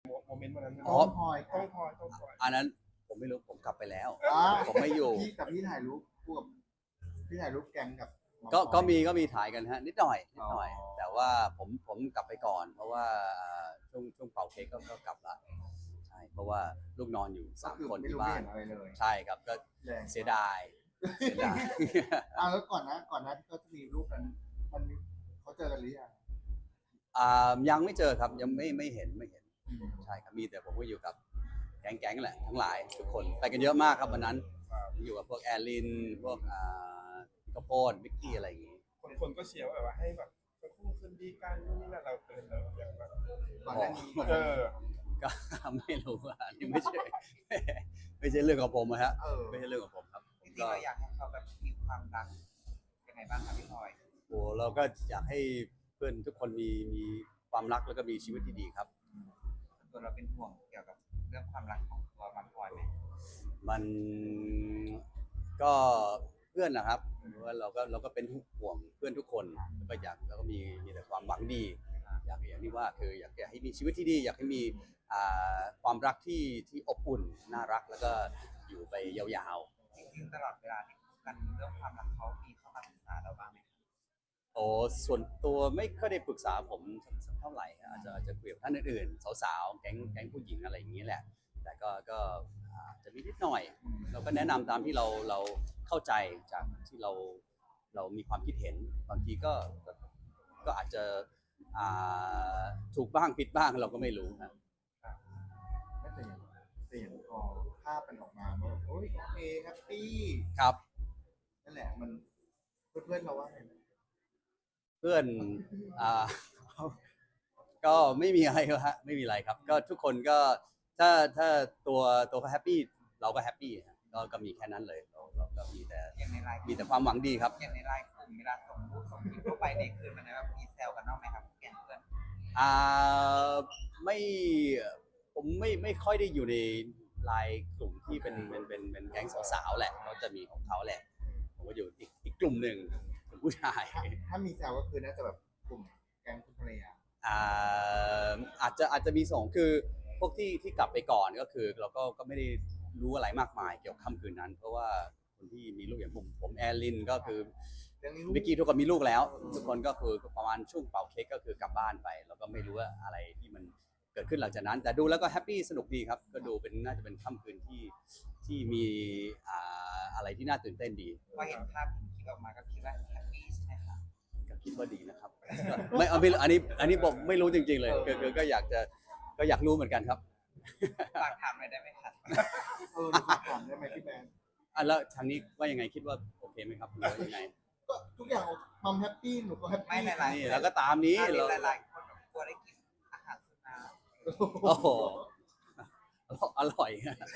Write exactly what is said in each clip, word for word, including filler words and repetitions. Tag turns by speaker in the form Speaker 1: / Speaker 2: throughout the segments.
Speaker 1: โมเมนต์วันนั้น
Speaker 2: อ๋อ
Speaker 1: ต้องพลอยต้องพลอยต้องพลอย
Speaker 2: อันนั้นผมไม่รู้ผมกลับไปแล้ว
Speaker 3: อ่า
Speaker 2: ผมไม่อยู่
Speaker 3: พี่กับพี่ถ่ายรูปคู่กับพี่ถ่ายรูปแก๊งกับหมอ
Speaker 2: ก็
Speaker 3: พลอย
Speaker 2: ก็มีก็มีถ่ายกันฮะนิดหน่อยนิดหน่อย
Speaker 3: อ๋อ
Speaker 2: แต่ว่าผมผมกลับไปก่อน เพราะว่าช่วงช่วงเป่าเค้กก็ก็กลับละใช่เพราะว่าลูกนอนอยู่สาม
Speaker 3: ก็อ
Speaker 2: คน
Speaker 3: ไม่
Speaker 2: ที่
Speaker 3: รู้
Speaker 2: บ้าน
Speaker 3: ไม่เห็นอะไรเลย
Speaker 2: ใช่ครับก็
Speaker 3: แรง
Speaker 2: เสียดายเสียดาย
Speaker 3: อ่าแล้วก่อนนะก่อนนะที่เขาจะมีรูปนั้นมันเขาเจอกันหรือยัง
Speaker 2: อ่ายังไม่เจอครับยังไม่ไม่เห็นไม่เห็น
Speaker 3: อืม
Speaker 2: ใช่ครับมีแต่ผมก็อยู่กับแก๊งๆแหละทั้งหลายทุกคนไปกันเยอะมากครับวันนั้นอยู่กับพวกแอลลินพวกอ่ากระโปนมิกกี้อะไรอย่างงี้
Speaker 1: คนคนก็เชียร์ว่าแบบว่าให้แบบคู่คืนดีกันนู่นนี่นั่นเราเป็นเราอย่างแบบ
Speaker 3: ก่อนหน้านี้ก่อนห
Speaker 1: เอ
Speaker 3: น้านี้
Speaker 1: อ
Speaker 2: ก็ ไม่รู้ว่าอันนี้ไม่ใช่ ไม่ใช่เรื่องของผมอะฮะ
Speaker 3: เออ
Speaker 2: ไม่ใช่เรื่องของผมครับ
Speaker 4: จริงๆเราอยากให้เขาแบบมีความรักยังไงบ้างครับพี่พลอย
Speaker 2: โอ้เราก็อยากให้เพื่อนทุกคนมีมีความรักแล้วก็มีชีวิตที่ดีครับ
Speaker 4: ตัวเราเป็นห่วงเกี่ยวกับเรื่องความรักของตัวมันพลอยไหม
Speaker 2: มันก็เพื่อนนะครับว่าเราก็เราก็เป็นห่วงเพื่อนทุกคนแล้วก็อยากแล้วก็มีมีแต่ความหวังดี อยากอย่างที่ว่าคืออยากอยากให้มีชีวิตที่ดี อยากให้มีอ่าความรักที่ที่อบอุ่นน่ารักแล้วก็อยู่ไปยาว
Speaker 4: จริงๆตลอดเวลาที่คบกันเรื่องความรักเขามีเข้ามาปรึกษาเราบ้างไหมครับ
Speaker 2: ๆโอ้ส่วนตัวไม่ค่อยได้ปรึกษาผมสักเท่าไหร่อาจจะอาจจะคุยกับท่านอื่นๆสาวๆแก๊งแก๊งผู้หญิงอะไรอย่างนี้แหละ แต่ก็ก็อาจจะมีนิดหน่อย เราก็แนะนำตามที่เราเราเข้าใจจากที่เราเรามีความคิดเห็นบางทีก็ก็ก็อาจจะอ่าถูกบ้างผิดบ้างเราก็ไม่รู้นะ
Speaker 3: ไม่แต่อย่างแต่อย่างพอภาพมันออกมาว่าแบบโอ้ยโอเคแฮปปี้
Speaker 2: ครับ
Speaker 3: นั่นแหละมันเพื่อนๆเราว่าไงนะ
Speaker 2: เพื่อนอ่า ก็ไม่มีอะไรครับฮะไม่มีอะไรครับ ก็ทุกคนก็ถ้าถ้าตัวตัวเขาแฮปปี้เราก็แฮปปี้ฮะก็ก็มีแค่นั้นเลยเราเราก็มีแต่
Speaker 4: อย่างในไลน์
Speaker 2: มีแต่ความหวังดีครับ
Speaker 4: อย่างในไลน์กลุ่มเวลาส่งรูปส่งคลิปเข้าไปในคืนมันนะครับมีแซวกันบ้างไหมครับแก๊งเพื่อน
Speaker 2: อ่าไม่ผมไม่ไม่ค่อยได้อยู่ในไลน์กลุ่มที่เป็นเป็นเป็นเป็นแก๊งสาวๆแหละเขาจะมีของเขาแหละ ผมก็อยู่อีกอีกกลุ่มหนึ่งกลุ่มผู้ชาย
Speaker 3: ถ้าถ้ามีแซวก็คือน่าจะแบบกลุ่มแก๊งคุณภรรยา
Speaker 2: อ่าอาจจะอาจจะมีสองคือพวกที่ที่กลับไปก่อนก็คือเราก็ก็ไม่ได้รู้อะไรมากมายเกี่ยวกับค่ำคืนนั้น เพราะว่าคนที่มีลูกอย่างผมผมแอลลินก็คือ
Speaker 3: เรื่องนี้
Speaker 2: มิกกี้ทุกคนมีลูกแล้ว ทุกคนก็คือประมาณช่วงเป่าเค้กก็คือกลับบ้านไป แล้วก็ไม่รู้ว่าอะไรที่มันเกิดขึ้นหลังจากนั้น แต่ดูแล้วก็แฮปปี้สนุกดีครับ ก็ดูเป็นน่าจะเป็นค่ำคืนที่ที่มีอ่าอะไรที่น่าตื่นเต้นดี
Speaker 4: พอเห็นภาพเห็นคลิปออกมาก็คิดว่าแฮปปี้ใช่ไหมครับ
Speaker 2: ก็คิดว่าดีนะครับ ไม่เอาไม่อันนี้อันนี้ผมไม่รู้จริงๆเลยคือคือก็อยากจะก็อยากรู้เหมือนกันครับ
Speaker 4: ฝากถามหน่อยได้ไหมครับ
Speaker 3: เออหนูขอถามได้ไหมพี่แมน
Speaker 2: อ่ะแล้วทางนี้ว่ายังไงคิดว่าโอเคไหมครับหรือว่ายังไง
Speaker 3: ก็ทุกอย่างมัมแฮปปี้หนูก็แฮป
Speaker 4: ไม่
Speaker 3: ปี้
Speaker 4: หลายๆ
Speaker 2: นี่แล้วก็ตามนี้เรา
Speaker 4: หลายๆคนแบบกลัวได้กินอาหารสุนัข
Speaker 2: โอ้โหอร่อย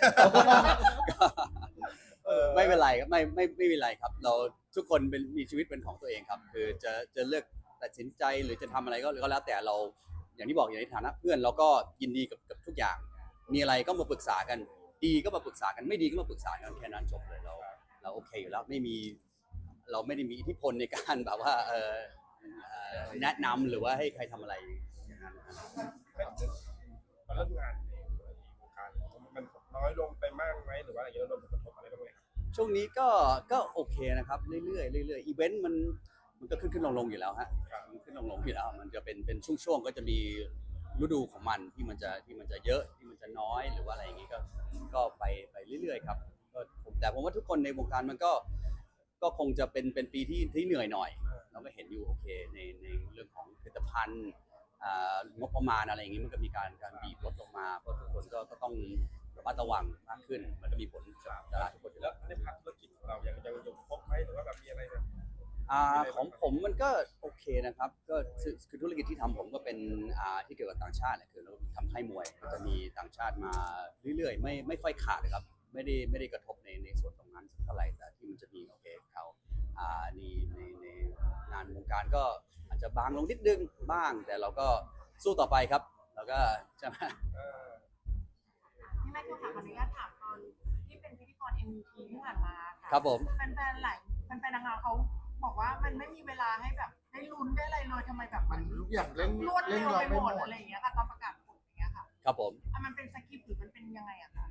Speaker 2: ไม่เป็นไรครับไม่ไม่ไม่เป็นไรครับ เราทุกคนเป็นมีชีวิตเป็นของตัวเองครับ คือจะจะเลือกตัดสินใจหรือจะทำอะไรก็ก็แล้วแต่เราอย่างที่บอกอย่างในฐานะเพื่อนเราก็ยินดีกับกับทุกอย่าง มีอะไรก็มาปรึกษากัน ดีก็มาปรึกษากันไม่ดีก็มาปรึกษากันแค่นั้นจบเลยเราเราโอเคอยู่แล้วไม่มีเราไม่ได้มีอิทธิพลในการแบบว่าเออเอ่อแนะนำหรือว่าให้ใครทำอะไรอย่างนั้นนะครับ
Speaker 1: ตอนเริ่มงานในวงการมันน้อยลงไปมากไหมหรือว่าอะไรเงี้ยเราโดนผลกระทบอะไรบ้างไหมครับ
Speaker 2: ช่วงนี้ก็ก็โอเคนะครับเรื่อยๆเรื่อยๆอีเวนต์มันมันก็ขึ้นขึ้นลงลงอยู่แล้วฮะมันขึ้นลงลงอยู่แล้วมันจะเป็นเป็นช่วงๆก็จะมีฤดูของมันที่มันจะที่มันจะเยอะที่มันจะน้อยหรือว่าอะไรอย่างงี้ก็ก็ไปไปเรื่อยๆครับก็ผมแต่ผมว่าทุกคนในวงการมันก็ก็คงจะเป็นเป็นปีที่ที่เหนื่อยหน่อย เราก็เห็นอยู่โอเคในในเรื่องของผลิตภัณฑ์อ่างบประมาณอะไรอย่างงี้มันก็มีการการบีบลดลงมาเพราะทุกคนก็ก็ต้องระมัดระวังมากขึ้นมันก็มีผลกับตลาดทุกคนอยู่
Speaker 1: แล้
Speaker 2: แล้ว ว
Speaker 1: ในพาร์ทธุรกิจของเรายังยังยังครบไหมหรือว่าแบบมีอะไรแบบ
Speaker 2: อ่าของผมมันก็โอเคนะครับก็คือคือธุรกิจที่ทำผมก็เป็นอ่าที่เกี่ยวกับต่างชาติแหละคือเราทำค่ายมวยก็จะมีต่างชาติมาเรื่อยๆไม่ไม่ค่อยขาดครับไม่ได้ไม่ได้กระทบในในส่วนตรงนั้นสักเท่าไหร่แต่ที่มันจะมีโอเคเขาอ่าในในในงานวงการก็อาจจะบางลงนิดนึงบ้าง แต่เราก็สู้ต่อไปครับเราก็ใช่ไหม
Speaker 1: เออ
Speaker 5: พี่แม่ก็ถามขออนุญาตถามตอนที่เป็นพิธีกร เอ็ม วี ที ที่ผ่านมาค่ะ
Speaker 2: ครับผม
Speaker 5: แฟนๆหลายแฟนๆนางงามเขาบอกว่ามันไม่มีเวลาให้แบบได้ลุ้นได้อะไรเลยทำไมแบบ
Speaker 3: มันทุกอย่างเร่ง
Speaker 5: รวด
Speaker 3: เร่
Speaker 5: เร็
Speaker 3: ง
Speaker 5: ว
Speaker 3: เรา
Speaker 5: ไป
Speaker 3: ไม่
Speaker 5: หมด
Speaker 3: หมด
Speaker 5: อะไรอย่างเงี้ยค่ะตอนประกาศผลอย่างเงี้ยค่ะ
Speaker 2: ครับผม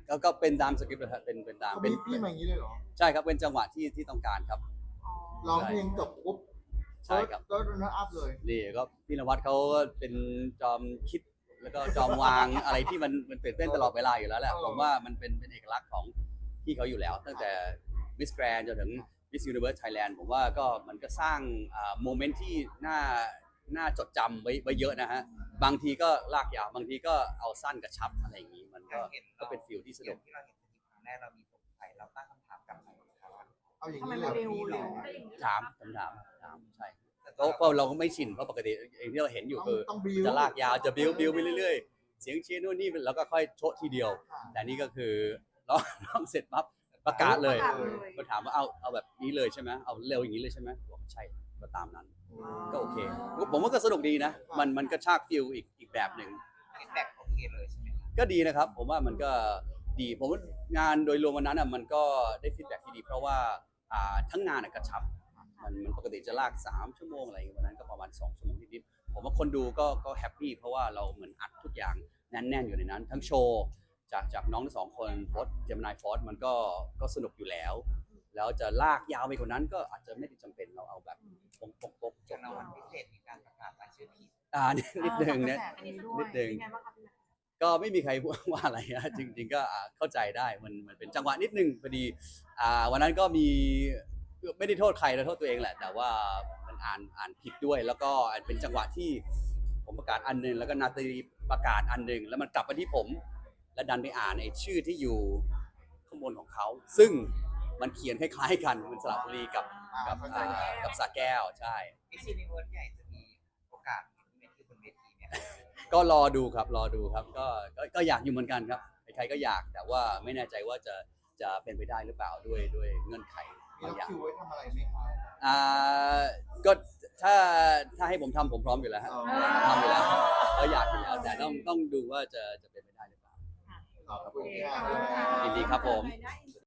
Speaker 2: ก็ก็เป็นตามสคริปต์เลยครับเป็นเป็นตาม
Speaker 3: เขา
Speaker 2: เป็น
Speaker 3: บีบพี่มาอย่างนี้เลยเหรอ
Speaker 2: ใช่ครับเป็นจังหวะที่ที่ต้องการครับ
Speaker 5: อ๋อ
Speaker 3: ร้องเพลงจบปุ๊บ
Speaker 2: ใช่ครับ
Speaker 3: แล้วรันอัพเลย
Speaker 2: นี่ก็พี่นวัดเขาก็เป็นจอมคิดแล้วก็จอมวาง อะไรที่มันมันตื่นเต้นตลอดเวลาอยู่แล้วแหละ
Speaker 3: เออ
Speaker 2: ผมว่ามันเป็นเป็นเอกลักษณ์ของพี่เขาอยู่แล้ว ตั้งแต่ Miss Grand จนถึง Miss Universe Thailand ผมว่าก็มันก็สร้างโมเมนต์ที่น่าน่าจดจำไว้ไว้เยอะนะฮะบางทีก็ลากยาวบางทีก็เอาสั้นกระชับอะไรอย่างนี้มันก็
Speaker 4: เห็น
Speaker 2: ก็เป็นฟิลที่สนุก
Speaker 4: ที่เราเห็นสกิปครั้งแรกเรามีสงสัยเราตั้งคำถามกลับไปครับว่า
Speaker 3: เอาอย่าง
Speaker 5: ทำไม
Speaker 3: นี้เล
Speaker 5: มัน
Speaker 3: ย
Speaker 5: เร็วเร็ว
Speaker 2: ถามคำถามถามใช่เพราะเพราะเราก็ไม่ชินเพราะปกติอย่างที่เราเห็นอยู่คือ
Speaker 3: ต้องบิว
Speaker 2: จะลากยาวจะบิ้วบิ้วไปเรื่อยๆ เสียงเชียร์นู่นนี่แล้วก็ค่อยโชะทีเดียว แต่นี่ก็คือร้องร้องเสร็จปั๊บประกาศเลย
Speaker 5: ประกาศเลย
Speaker 2: ก็ถามว่าเอาเอาแบบนี้เลยใช่ไหมเอาเร็วอย่างนี้เลยใช่ไหมบอกใช่ก็ตามนั้น ก็โอเค ผมว่าก็สนุกดีนะ มันมันก็ชากฟิลอีกอีกแบบหนึ่ง
Speaker 4: ฟีดแบ็กโอเคเลยใช่ไหมครับ
Speaker 2: ก็ดีนะครับ ผมว่ามันก็ดี ผมว่างานโดยรวมวันนั้นอ่ะมันก็ได้ฟีดแบ็กที่ดี เพราะว่าอ่าทั้งงานอ่ะกระชับ มันมันปกติจะลากสามชั่วโมงอะไรอย่างเงี้ยวันนั้นก็ประมาณสองชั่วโมงนิดๆผมว่าคนดูก็ก็แฮปปี้เพราะว่าเราเหมือนอัดทุกอย่างแน่นๆอยู่ในนั้น ทั้งโชว์จากจากน้องทั้งสองคนฟอสเจมินายฟอสมันก็ก็สนุกอยู่แล้ว แล้วจะลากยาวไปกว่านั้นก็อาจจะไม่ได้จำเป็นเราเอาแบบปกปกปกจ
Speaker 4: จา
Speaker 2: บ
Speaker 4: กรางวัลพิเศษมีการประกาศรายชื่อผิด
Speaker 2: อ่านิดนิดนึงเนี่ย
Speaker 5: กระแสอันนี้ด้วย
Speaker 2: นิดนึง
Speaker 5: เป็นไงบ้างครับพี่แม็กซ์
Speaker 2: ก็ไม่มีใครพูดว่าอะไรนะ จริง ๆ ก็อ่าเข้าใจได้มันมันเป็นจังหวะนิดนึงพอดีอ่าวันนั้นก็มีไม่ได้โทษใครนะโทษตัวเองแหละ แต่ว่ามันอ่านอ่านผิดด้วย แล้วก็เป็นจังหวะที่ผมประกาศอันหนึงแล้วก็นาตาลีประกาศอันหนึงแล้วมันกลับมาที่ผม แล้วดันไปอ่านไอ้ชื่อที่อยู่ข้างบนของเขา ซึ่งมันเขียนคล้ายๆกันมันสระบุรีกับกับอ่ากับสระแก้วใช่
Speaker 4: มิสซินิเวิร์สใหญ่จะมีโอกาสมีเวทีบนเวทีเนี่ย
Speaker 2: ก็รอดูครับรอดูครับก็ก็ก็อยากอยู่เหมือนกันครับใครๆก็อยากแต่ว่าไม่แน่ใจว่าจะจะเป็นไปได้หรือเปล่าด้วยด้วยเงื่อนไข
Speaker 3: มี
Speaker 2: บาง
Speaker 3: ล็อก
Speaker 2: อย่าง
Speaker 3: คิวไว้ทำอะไรไหมครับ
Speaker 2: อ่าก็ถ้าถ้าให้ผมทำผมพร้อมอยู่แล้วฮะ
Speaker 3: อ๋อ
Speaker 2: ทำอยู่แล้วก็อยากอยู่แล้วแต่ต้องต้องดูว่าจะจะเป็นไปได้หรือเปล่า
Speaker 3: ขอบคุณ
Speaker 5: โอเค
Speaker 3: ค
Speaker 5: ขอบ
Speaker 3: รั
Speaker 5: คุณค่ะ
Speaker 3: บ
Speaker 2: ยินดีครับผม
Speaker 5: ได้